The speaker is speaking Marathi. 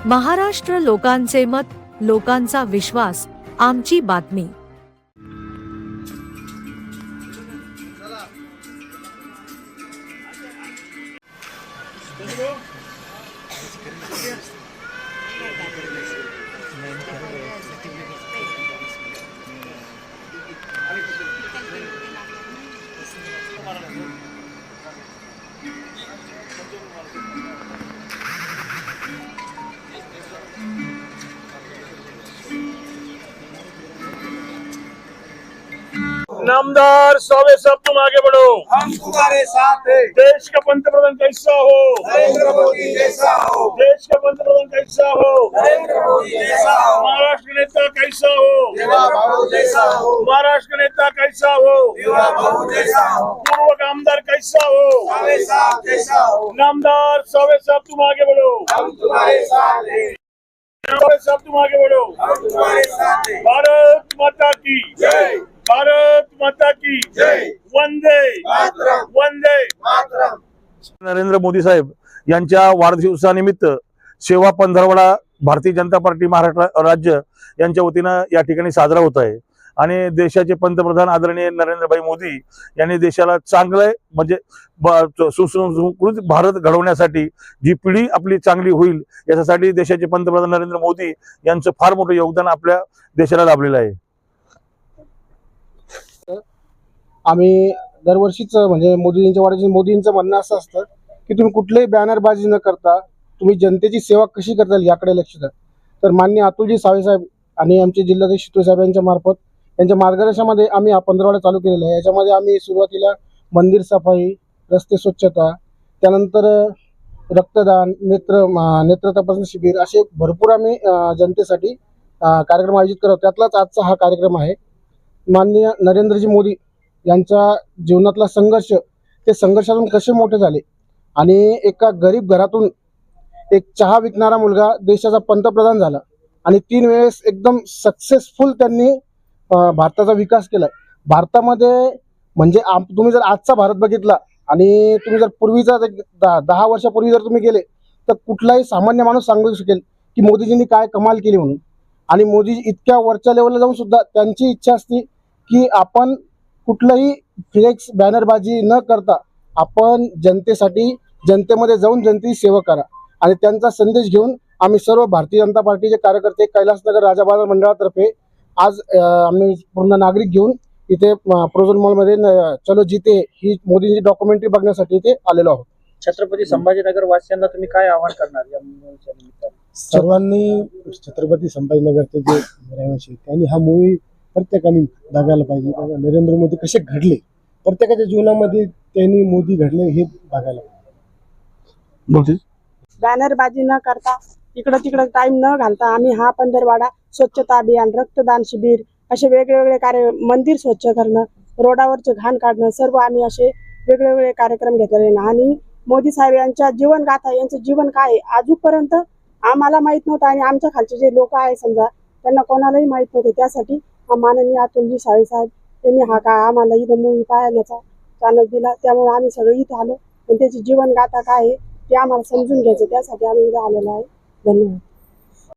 महाराष्ट्र लोकांचे मत, लोकांचा विश्वास, आमची बातमी। नामदार सावे साहब तुम आगे बढ़ो, हम तुम्हारे साथ हैं। देश का पंतप्रधान कैसा हो, नरेंद्र मोदी जैसा हो, देश का पंतप्रधान कैसा हो, नरेंद्र मोदी जैसा हो, महाराष्ट्र नेता कैसा हो, युवा बाबू जैसा हो, महाराष्ट्र नेता कैसा हो, युवा बाबू जैसा हो, पूर्व आमदार कैसा हो, सावे साहब जैसा हो। नामदार सावे साहब तुम आगे बढ़ो, हम तुम्हारे साथ हैं। सावे साहब तुम आगे बढ़ो। हम तुम्हारे साथ हैं। भारत माता की जय, भारत माता की जय, वंदे मातरम, वंदे मातरम। नरेंद्र मोदी साहेब यांच्या वाढदिवसानिमित्त सेवा पंधरवडा भारतीय जनता पार्टी महाराष्ट्र राज्य यांच्या वतीनं या ठिकाणी साजरा होत आहे आणि देशाचे पंतप्रधान आदरणीय नरेंद्रभाई मोदी यांनी देशाला चांगलं म्हणजे सुसंस्कृत भारत घडवण्यासाठी जी पिढी आपली चांगली होईल याच्यासाठी देशाचे पंतप्रधान नरेंद्र मोदी यांचं फार मोठं योगदान आपल्या देशाला लाभलेलं आहे। आम्ही दरवर्षीच म्हणजे मोदींच्या वाढदिवशी मोदींचं म्हणणं असं असतं की तुम्ही कुठलीही बॅनरबाजी न करता तुम्ही जनतेची सेवा कशी करता येईल याकडे लक्ष द्या। तर माननीय अतुलजी सावे साहेब आणि आमचे जिल्हाध्यक्ष शितू साहेब यांच्या मार्फत यांच्या मार्गदर्शनामध्ये आम्ही हा पंधरवडा चालू केलेला आहे। याच्यामध्ये आम्ही सुरुवातीला मंदिर सफाई, रस्ते स्वच्छता, त्यानंतर रक्तदान, नेत्र तपासणी शिबिर असे भरपूर आम्ही जनतेसाठी कार्यक्रम आयोजित करतो। त्यातलाच आजचा हा कार्यक्रम आहे। माननीय नरेंद्रजी मोदी यांच्या जीवनातला संघर्ष, ते संघर्षातून कसे मोठे झाले आणि एका गरीब घरातून एक चहा विकणारा मुलगा देशाचा पंतप्रधान झाला आणि 3 वेळेस एकदम सक्सेसफुल त्यांनी भारताचा विकास केला। भारतामध्ये म्हणजे तुम्ही जर आजचा भारत बघितला आणि तुम्ही जर पूर्वीचा 10 वर्षापूर्वी जर तुम्ही गेले तर कुठलाही सामान्य माणूस सांगू शकेल की मोदीजींनी काय कमाल केली म्हणून। आणि मोदी इतक्या वरच्या लेवलला जाऊन सुद्धा त्यांची इच्छा असते की आपण कुठलाही फ्लेक्स बॅनरबाजी न करता आपण जनतेसाठी जनतेमध्ये जाऊन जनतेची सेवा करा। आणि त्यांचा संदेश घेऊन आम्ही सर्व भारतीय जनता पार्टीचे कार्यकर्ते कैलासनगर राजा बाजार मंडळातर्फे आज आम्ही पूर्ण नागरिक घेऊन इथे प्रोझोन मॉलमध्ये चलो जीते ही मोदींची डॉक्युमेंटरी बघण्यासाठी इथे आलेलो आहोत। छत्रपती संभाजीनगर वासियांना तुम्ही काय आवाहन करणार या मूवीच्या निमित्ताने? सर्वांनी छत्रपती संभाजीनगरचे जे रहिवासी त्यांनी हा मूवी प्रत्येकाने बघायला पाहिजे। नरेंद्र मोदी कसे घडले, प्रत्येकाच्या जीवनामध्ये त्यांनी मोदी घडले हे बघायला पाहिजे। बॅनरबाजी न करता इकडं तिकडं टाइम न घालता आम्ही हा पंधरवाडा स्वच्छता अभियान, रक्तदान शिबिर असे वेगवेगळे कार्य, मंदिर स्वच्छ करणं, रोडावरचे घाण काढणं, सर्व आम्ही असे वेगवेगळे कार्यक्रम घेतलेले ना। आणि मोदी साहेब यांच्या जीवनगाथा, यांचं जीवन काय आहे आजूपर्यंत आम्हाला माहित नव्हतं आणि आमच्या खालचे जे लोक आहे समजा त्यांना कोणालाही माहित नव्हते। त्यासाठी माननीय अतुलजी सावे साहेब यांनी हा काय आम्हाला इथं मूवी पाहण्याचा चानस दिला, त्यामुळे आम्ही सगळे इथं आलो आणि त्याची जीवनगाथा काय आहे ते आम्हाला समजून घ्यायचं, त्यासाठी आम्ही इथं आलेलो आहे। धन्यवाद।